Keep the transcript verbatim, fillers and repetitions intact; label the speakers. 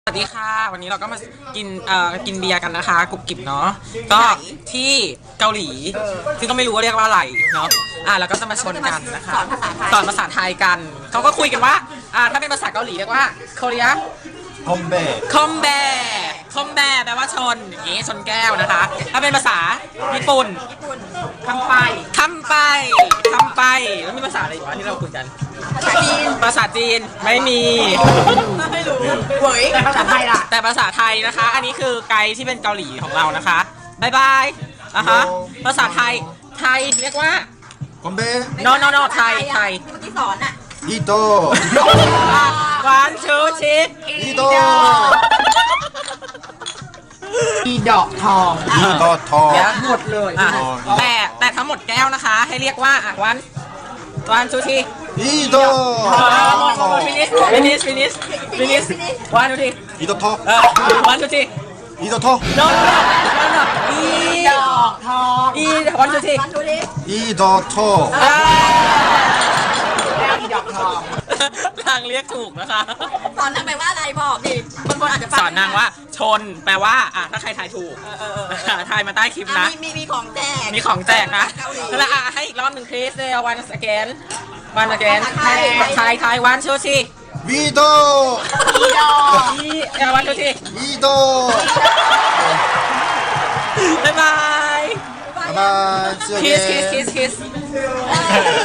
Speaker 1: สวัสดีค่ะวันนี้เราก็มากินเอ่อกินเบียร์กันนะคะกรุบกริบเนาะก็ที่เกาหลีซึ่งก็ไม่รู้ว่าเรียกว่าอะไรเนาะอ่ะแล้วก็จะมาชนกันนะคะสอนภาษาไทยกันเขาก็คุยกันว่าอ่าถ้าเป็นภาษาเกาหลีเรียกว่าเกาหลี
Speaker 2: คอมเบะ
Speaker 1: คอมแบคอมแบแปลว่าชนอย่างงี้ชนแก้วนะคะ ถ้าเป็นภาษาญี่ปุ่นคำไปคำไปคำไปแล้วมีภาษาอะไรอีกวะที่เราคุยกันภาษาจีนภาษาจีนไม่มีไม่รู้เว้ยแต่ภาษาไทยล่ะแต่ภาษาไทยนะคะ อันนี้คือไกด์ที่เป็นเกาหลีของเรานะคะบายบายอ่ะฮะภาษาไทยไทยเรียกว่า
Speaker 2: คอมเบะ
Speaker 1: no no no ไทยไทย
Speaker 3: เมื่อกี้สอนอ่ะ
Speaker 2: อีโต
Speaker 1: วันชูชิค
Speaker 2: อีโต
Speaker 3: อีดอกทอง
Speaker 2: อีโตทอง
Speaker 3: หมดเลย
Speaker 1: อ่ะแต่แต่ทั้งหมดแก้วนะคะ ให้เรียกว่าอ่ะวันวันชูชิ
Speaker 2: อีโต
Speaker 1: ฟินิชฟินิชฟินิชฟินิชวันชูชิ
Speaker 2: อีโตทอง
Speaker 1: เออวันชูชิ
Speaker 2: อีโตทอง
Speaker 1: โน่นโน่นโน่นอี
Speaker 3: ดอกทอง
Speaker 1: อีวันชูชิ
Speaker 3: วันดูดิ
Speaker 2: อีโตทอง
Speaker 1: อ่า
Speaker 3: อีดอกทอง
Speaker 1: ทางเรียกถูกนะคะ
Speaker 3: สอนนางไปว่าอะไรบอกดิบางคนอาจจะ
Speaker 1: สอนนางว่าชนแปลว่าอ่ะถ้าใครทายถูกทายมาใต้คลิปนะ
Speaker 3: มีมีมีของแจก
Speaker 1: มีของแจกนะ
Speaker 3: เกาหลี
Speaker 1: แล้วอ่ะให้อีกรอบหนึ่งคริสเลยวันสแกนวันสแกน
Speaker 3: ไทย
Speaker 1: ไทยไทยวันชูชิ
Speaker 2: วีโต
Speaker 3: อีดอก
Speaker 1: อีเอวันชูชิ
Speaker 2: อีโต
Speaker 1: บ๊ายบาย
Speaker 2: บ๊ายบาย
Speaker 1: คิสคิสคิสคิส